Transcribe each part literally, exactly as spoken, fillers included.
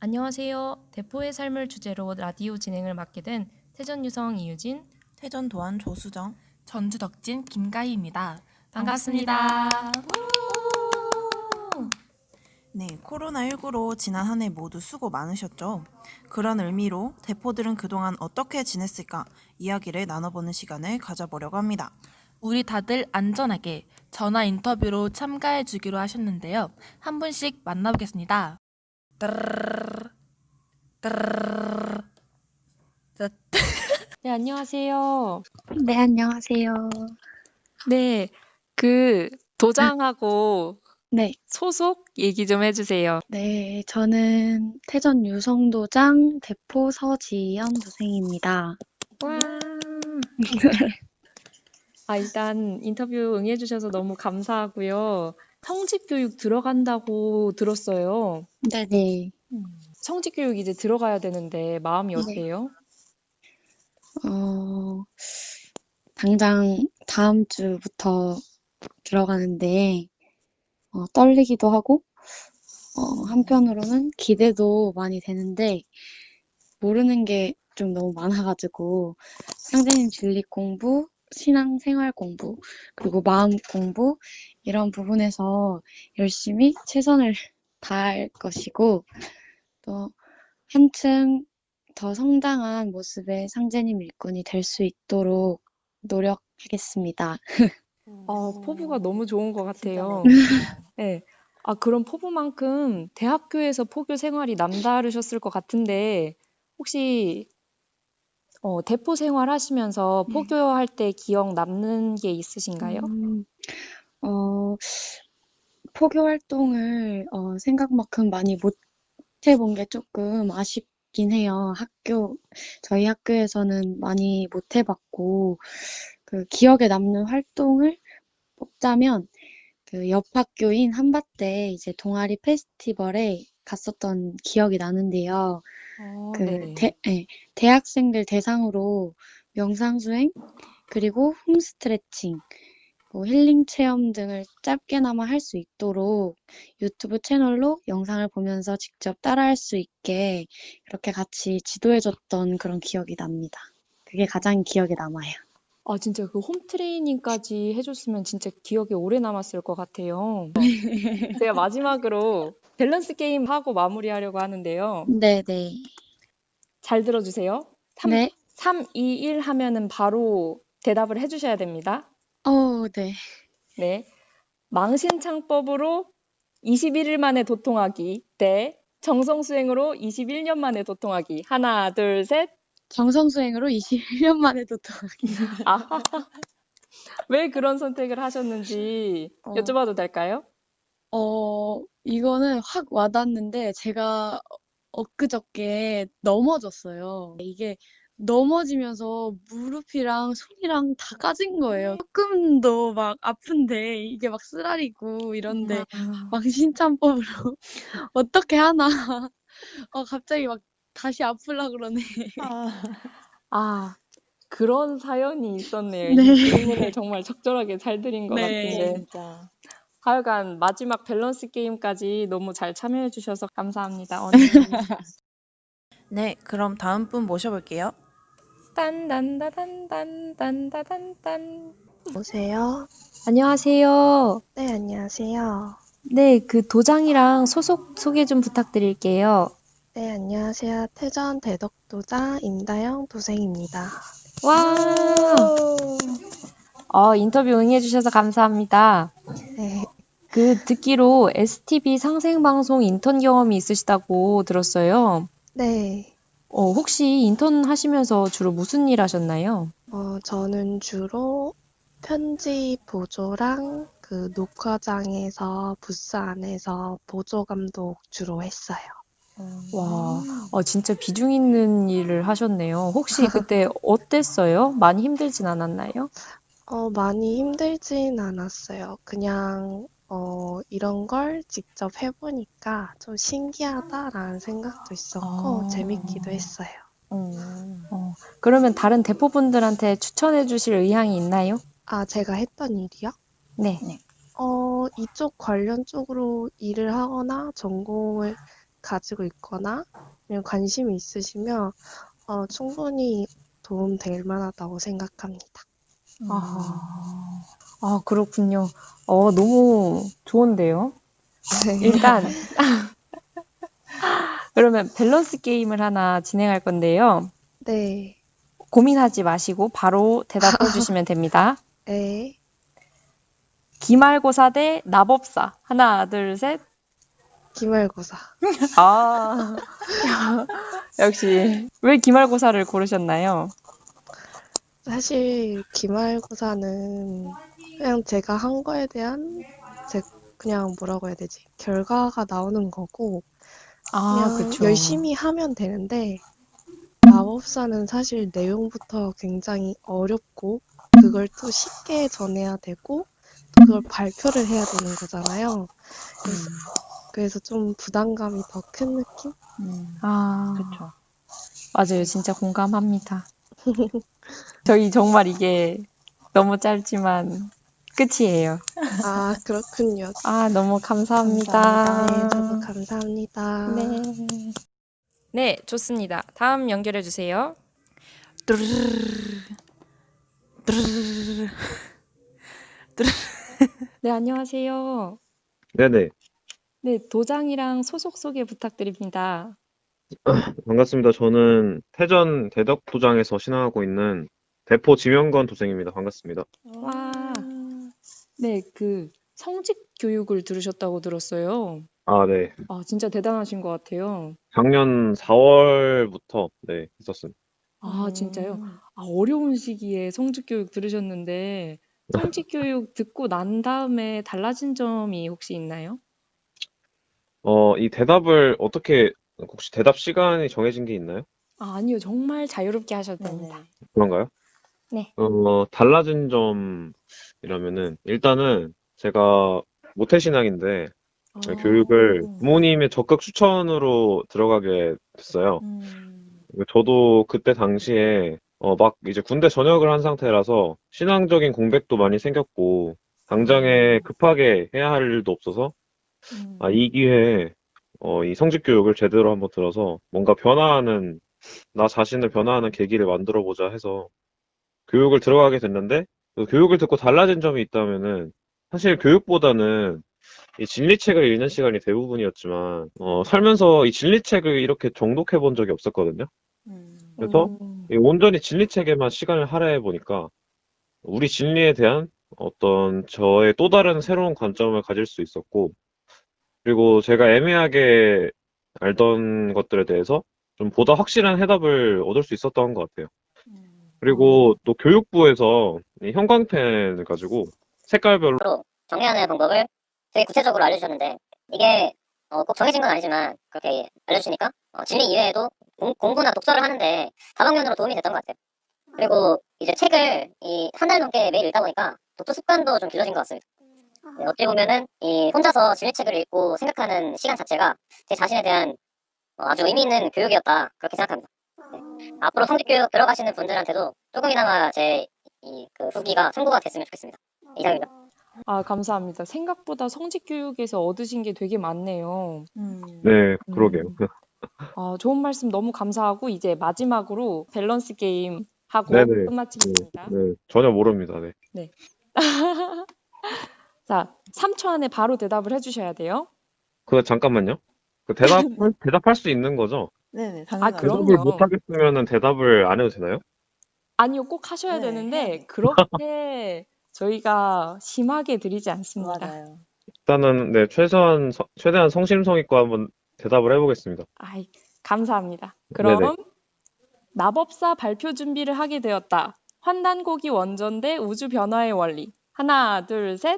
안녕하세요. 대포의 삶을 주제로 라디오 진행을 맡게 된 태전유성 이유진. 태전도안 조수정. 전주덕진 김가희입니다. 반갑습니다. 네, 코로나십구로 지난 한 해 모두 수고 많으셨죠? 그런 의미로 대포들은 그동안 어떻게 지냈을까 이야기를 나눠보는 시간을 가져보려고 합니다. 우리 다들 안전하게 전화 인터뷰로 참가해 주기로 하셨는데요. 한 분씩 만나보겠습니다. 따르르르, 따르르르. 자, 네, 안녕하세요. 네, 안녕하세요. 네, 그 도장하고 네, 소속 얘기 좀 해주세요. 네, 저는 태전 유성도장 대포 서지연 도생입니다. 와. 아, 일단 인터뷰 응해주셔서 너무 감사하고요. 성직 교육 들어간다고 들었어요. 네네. 성직 교육 이제 들어가야 되는데 마음이 네. 어때요? 어, 당장 다음 주부터 들어가는데, 어, 떨리기도 하고, 어, 한편으로는 기대도 많이 되는데, 모르는 게 좀 너무 많아가지고, 상대님 진리 공부, 신앙 생활 공부, 그리고 마음 공부, 이런 부분에서 열심히 최선을 다할 것이고, 또 한층 더 성장한 모습의 상제님 일꾼이 될 수 있도록 노력하겠습니다. 어, 포부가 너무 좋은 것 같아요. 네. 아, 그럼 포부만큼 대학교에서 포교 생활이 남다르셨을 것 같은데, 혹시 어, 대포 생활하시면서 네. 포교할 때 기억 남는 게 있으신가요? 음, 어, 포교 활동을 어, 생각만큼 많이 못 해본 게 조금 아쉽긴 해요. 학교, 저희 학교에서는 많이 못 해봤고, 그 기억에 남는 활동을 뽑자면, 그 옆 학교인 한밭대 이제 동아리 페스티벌에 갔었던 기억이 나는데요. 어, 그 네. 대, 예, 대학생들 대상으로 명상수행, 그리고 홈스트레칭, 뭐 힐링 체험 등을 짧게나마 할 수 있도록 유튜브 채널로 영상을 보면서 직접 따라할 수 있게 그렇게 같이 지도해줬던 그런 기억이 납니다. 그게 가장 기억에 남아요. 아, 진짜 그 홈 트레이닝까지 해줬으면 진짜 기억에 오래 남았을 것 같아요. 제가 마지막으로 밸런스 게임 하고 마무리하려고 하는데요. 네네. 잘 들어주세요. 삼, 네. 삼, 이, 일 하면은 바로 대답을 해주셔야 됩니다. 어, 네. 네. 망신창법으로 이십일 일 만에 도통하기 대 정성수행으로 이십일 년 만에 도통하기. 하나, 둘, 셋. 정성수행으로 이십일 년 만에 도통하기. 아, 왜 그런 선택을 하셨는지 어, 여쭤봐도 될까요? 어, 이거는 확 와닿는데 제가 엊그저께 넘어졌어요. 이게 넘어지면서 무릎이랑 손이랑 다 까진 거예요. 조금도 막 아픈데 이게 막 쓰라리고 이런데 망신창법으로 어떻게 하나. 어, 갑자기 막 다시 아플라 그러네. 아, 그런 사연이 있었네요. 네. 이 질문을 정말 적절하게 잘 드린 것 네. 같은데. 진짜. 하여간 마지막 밸런스 게임까지 너무 잘 참여해 주셔서 감사합니다. 오늘 네, 그럼 다음 분 모셔볼게요. 딴딴다단딴딴다단딴. 여보세요? 안녕하세요. 네, 안녕하세요. 네, 그 도장이랑 소속 소개 좀 부탁드릴게요. 네, 안녕하세요. 태전 대덕도장 임다영 도생입니다. 와, 어, 인터뷰 응해주셔서 감사합니다. 네, 그 듣기로 에스티비 상생방송 인턴 경험이 있으시다고 들었어요. 네. 어, 혹시 인턴 하시면서 주로 무슨 일 하셨나요? 어, 저는 주로 편집 보조랑 그 녹화장에서 부스 안에서 보조 감독 주로 했어요. 와, 어, 진짜 비중 있는 일을 하셨네요. 혹시 그때 어땠어요? 많이 힘들진 않았나요? 어, 많이 힘들진 않았어요. 그냥 어, 이런 걸 직접 해보니까 좀 신기하다라는 생각도 있었고 아. 재밌기도 했어요. 어, 그러면 다른 대포분들한테 추천해 주실 의향이 있나요? 아, 제가 했던 일이요? 네. 어, 이쪽 관련 쪽으로 일을 하거나 전공을 가지고 있거나 아니면 관심이 있으시면 어, 충분히 도움 될 만하다고 생각합니다. 아, 아, 그렇군요. 어, 너무 좋은데요? 일단, 그러면 밸런스 게임을 하나 진행할 건데요. 네, 고민하지 마시고 바로 대답해 주시면 됩니다. 네. 기말고사 대 나법사. 하나, 둘, 셋. 기말고사. 아, 역시. 왜 기말고사를 고르셨나요? 사실 기말고사는 그냥 제가 한 거에 대한 제 그냥 뭐라고 해야 되지? 결과가 나오는 거고 아, 그냥 그쵸. 열심히 하면 되는데 마법사는 사실 내용부터 굉장히 어렵고 그걸 또 쉽게 전해야 되고 또 그걸 발표를 해야 되는 거잖아요. 그래서, 그래서 좀 부담감이 더 큰 느낌? 아, 맞아요. 진짜 공감합니다. 저희 정말 이게 너무 짧지만 끝이에요. 아, 그렇군요. 아, 너무 감사합니다. 네, 저도 감사합니다. 네. 네, 좋습니다. 다음 연결해 주세요. 네, 안녕하세요. 네네. 네, 도장이랑 소속 소개 부탁드립니다. 반갑습니다. 저는 태전 대덕도장에서 신앙하고 있는 대포 지명건 도생입니다. 반갑습니다. 와, 네, 그 성직 교육을 들으셨다고 들었어요. 아, 네. 아, 진짜 대단하신 것 같아요. 작년 사월부터 네, 했었습니다. 아, 진짜요? 아, 어려운 시기에 성직 교육 들으셨는데 성직 교육 듣고 난 다음에 달라진 점이 혹시 있나요? 어, 이 대답을 어떻게 혹시 대답 시간이 정해진 게 있나요? 아, 아니요. 정말 자유롭게 하셔도 됩니다. 그런가요? 네. 어, 달라진 점이라면은 일단은 제가 모태신앙인데 아, 교육을 부모님의 적극 추천으로 들어가게 됐어요. 음, 저도 그때 당시에 어, 막 이제 군대 전역을 한 상태라서 신앙적인 공백도 많이 생겼고 당장에 급하게 해야 할 일도 없어서 음, 아, 이 기회에 어, 이 성직 교육을 제대로 한번 들어서 뭔가 변화하는 나 자신을 변화하는 계기를 만들어 보자 해서 교육을 들어가게 됐는데 그 교육을 듣고 달라진 점이 있다면은 사실 교육보다는 이 진리책을 읽는 시간이 대부분이었지만 어, 살면서 이 진리책을 이렇게 정독해 본 적이 없었거든요. 그래서 음, 이 온전히 진리책에만 시간을 할애해 보니까 우리 진리에 대한 어떤 저의 또 다른 새로운 관점을 가질 수 있었고, 그리고 제가 애매하게 알던 것들에 대해서 좀 보다 확실한 해답을 얻을 수 있었던 것 같아요. 그리고 또 교육부에서 이 형광펜을 가지고 색깔별로 로 정리하는 방법을 되게 구체적으로 알려주셨는데 이게 어, 꼭 정해진 건 아니지만 그렇게 알려주시니까 어, 진리 이외에도 공, 공부나 독서를 하는데 다방면으로 도움이 됐던 것 같아요. 그리고 이제 책을 이 한 달 넘게 매일 읽다 보니까 독서 습관도 좀 길러진 것 같습니다. 네, 어찌 보면은 이 혼자서 진리책을 읽고 생각하는 시간 자체가 제 자신에 대한 어, 아주 의미 있는 교육이었다 그렇게 생각합니다. 네. 앞으로 성직교육 들어가시는 분들한테도 조금이나마 제 이 그 후기가 참고가 됐으면 좋겠습니다. 이상입니다. 아, 감사합니다. 생각보다 성직 교육에서 얻으신 게 되게 많네요. 네, 그러게요. 음, 아, 좋은 말씀 너무 감사하고 이제 마지막으로 밸런스 게임 하고 네네. 네, 끝마치겠습니다. 네, 전혀 모릅니다. 네. 네. 자, 삼 초 안에 바로 대답을 해주셔야 돼요. 그 잠깐만요. 그 대답 대답할 수 있는 거죠? 네네, 아, 당연하죠. 대답을 그럼요. 못 하겠으면은 대답을 안 해도 되나요? 아니요, 꼭 하셔야 네, 해야 되는데 돼요. 그렇게 저희가 심하게 드리지 않습니다. 맞아요. 일단은 네, 최소한 서- 최대한 성심성의껏 한번 대답을 해보겠습니다. 아이, 감사합니다. 네네. 그럼 마법사 발표 준비를 하게 되었다. 환단고기 원전 대 우주 변화의 원리. 하나, 둘, 셋.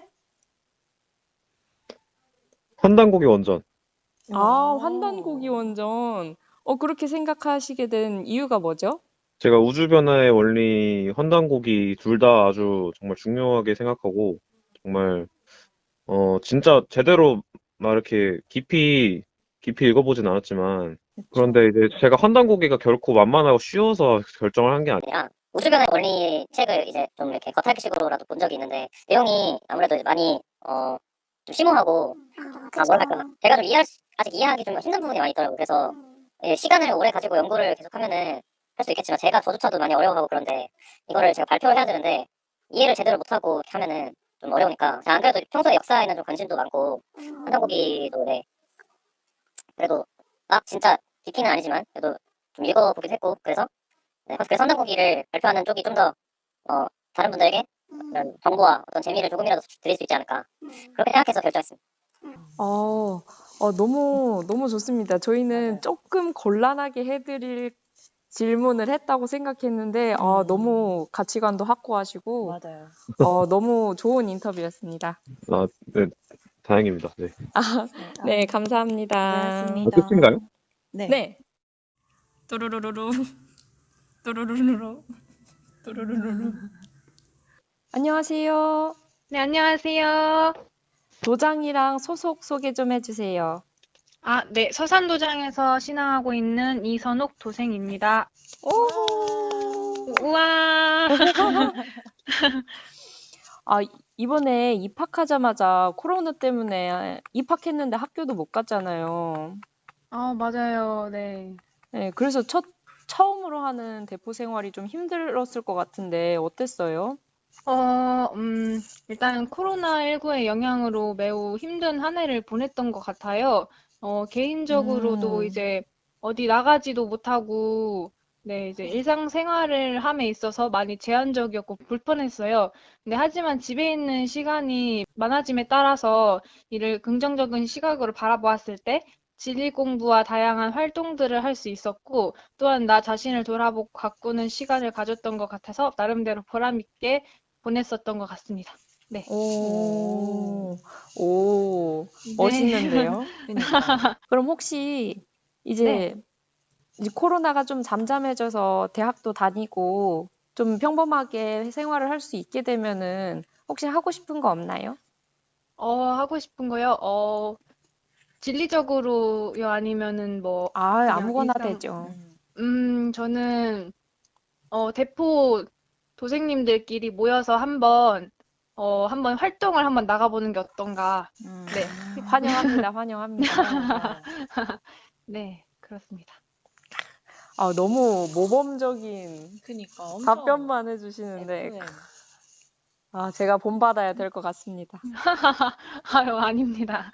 환단고기 원전. 아, 환단고기 원전. 어, 그렇게 생각하시게 된 이유가 뭐죠? 제가 우주 변화의 원리, 환단고기 둘 다 아주 정말 중요하게 생각하고 정말 어 진짜 제대로 막 이렇게 깊이 깊이 읽어보진 않았지만 그런데 이제 제가 환단고기가 결코 만만하고 쉬워서 결정을 한 게 아니에요. 아니라 우주변의 원리 책을 이제 좀 이렇게 겉핥기식으로라도 본 적이 있는데 내용이 아무래도 많이 어 좀 심오하고 아 뭐랄까 제가 좀 이해할 수, 아직 이해하기 좀 힘든 부분이 많이 있더라고요. 그래서 예, 시간을 오래 가지고 연구를 계속하면은 할 수 있겠지만 제가 저조차도 많이 어려워하고 그런데 이거를 제가 발표를 해야 되는데 이해를 제대로 못하고 이렇게 하면은 좀 어려우니까 제가 안 그래도 평소에 역사에는 좀 관심도 많고 한정고기도 네 그래도 막 진짜 깊이는 아니지만 그래도 좀 읽어보기도 했고 그래서 네, 그래서 한정고기를 발표하는 쪽이 좀 더 어, 다른 분들에게 이런 정보와 어떤 재미를 조금이라도 드릴 수 있지 않을까 그렇게 생각해서 결정했습니다. 어, 어, 너무, 너무 좋습니다. 저희는 조금 곤란하게 해드릴 질문을 했다고 생각했는데, 어, 음. 너무 가치관도 확고하시고, 맞아요. 어, 너무 좋은 인터뷰였습니다. 아, 네, 다행입니다. 네. 네, 감사합니다. 고생하셨습니다. 아, 끝인가요? 네. 네. 또르르르루 또르르르루 또르르르루. 안녕하세요. 네, 안녕하세요. 도장이랑 소속 소개 좀 해주세요. 아, 네, 서산도장에서 신앙하고 있는 이선옥 도생입니다. 오! 우와! 아, 이번에 입학하자마자 코로나 때문에 입학했는데 학교도 못 갔잖아요. 아, 맞아요. 네. 네, 그래서 첫, 처음으로 하는 대포 생활이 좀 힘들었을 것 같은데 어땠어요? 어, 음, 일단 코로나십구의 영향으로 매우 힘든 한 해를 보냈던 것 같아요. 어, 개인적으로도 음, 이제 어디 나가지도 못하고, 네, 이제 일상생활을 함에 있어서 많이 제한적이었고 불편했어요. 근데 하지만 집에 있는 시간이 많아짐에 따라서 이를 긍정적인 시각으로 바라보았을 때 진리 공부와 다양한 활동들을 할 수 있었고, 또한 나 자신을 돌아보고 가꾸는 시간을 가졌던 것 같아서 나름대로 보람 있게 보냈었던 것 같습니다. 네. 오, 오, 네. 멋있는데요? 그러니까. 그럼 혹시 네. 이제, 이제 코로나가 좀 잠잠해져서 대학도 다니고 좀 평범하게 생활을 할 수 있게 되면은 혹시 하고 싶은 거 없나요? 어, 하고 싶은 거요? 어, 진리적으로요? 아니면은 뭐, 아, 그냥 아무거나 일상, 되죠. 음. 음, 저는, 어, 대포 도생님들끼리 모여서 한번, 어, 한번 활동을 한번 나가보는 게 어떤가. 음. 네. 환영합니다, 환영합니다. 맞아요. 네, 그렇습니다. 아, 너무 모범적인 그니까 엄청 답변만 해주시는데, 에프엠. 아, 제가 본받아야 될 것 같습니다. 아유, 아닙니다.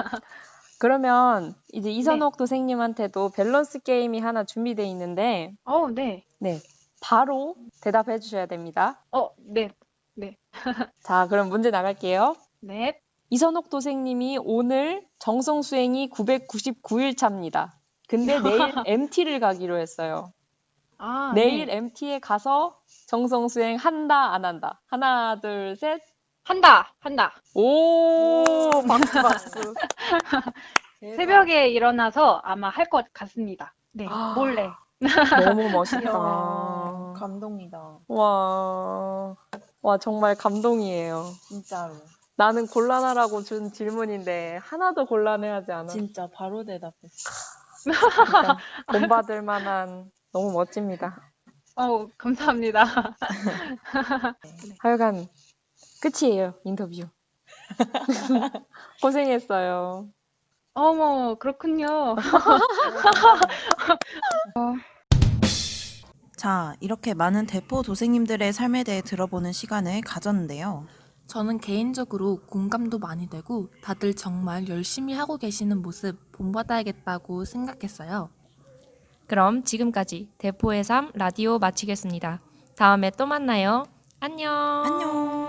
그러면 이제 네. 이선옥 도생님한테도 밸런스 게임이 하나 준비되어 있는데, 어, 네. 네, 바로 대답해 주셔야 됩니다. 어, 네. 네. 자, 그럼 문제 나갈게요. 네. 이선옥 도생님이 오늘 정성 수행이 구백구십구 일 차입니다. 근데 내일 엠티를 가기로 했어요. 아, 내일 네. 엠티에 가서 정성 수행 한다, 안 한다? 하나, 둘, 셋. 한다, 한다. 오, 박수, 박수. 대박. 새벽에 일어나서 아마 할 것 같습니다. 네, 아, 몰래. 너무 멋있다. 이야, 감동이다. 와, 와, 정말 감동이에요. 진짜로. 나는 곤란하라고 준 질문인데 하나도 곤란해하지 않아. 진짜 바로 대답했어. 진짜 본받을 만한 너무 멋집니다. 어우, 감사합니다. 하여간 끝이에요, 인터뷰. 고생했어요. 어머, 그렇군요. 자, 이렇게 많은 대포 도생님들의 삶에 대해 들어보는 시간을 가졌는데요. 저는 개인적으로 공감도 많이 되고 다들 정말 열심히 하고 계시는 모습 본받아야겠다고 생각했어요. 그럼 지금까지 대포의 삶 라디오 마치겠습니다. 다음에 또 만나요. 안녕. 안녕.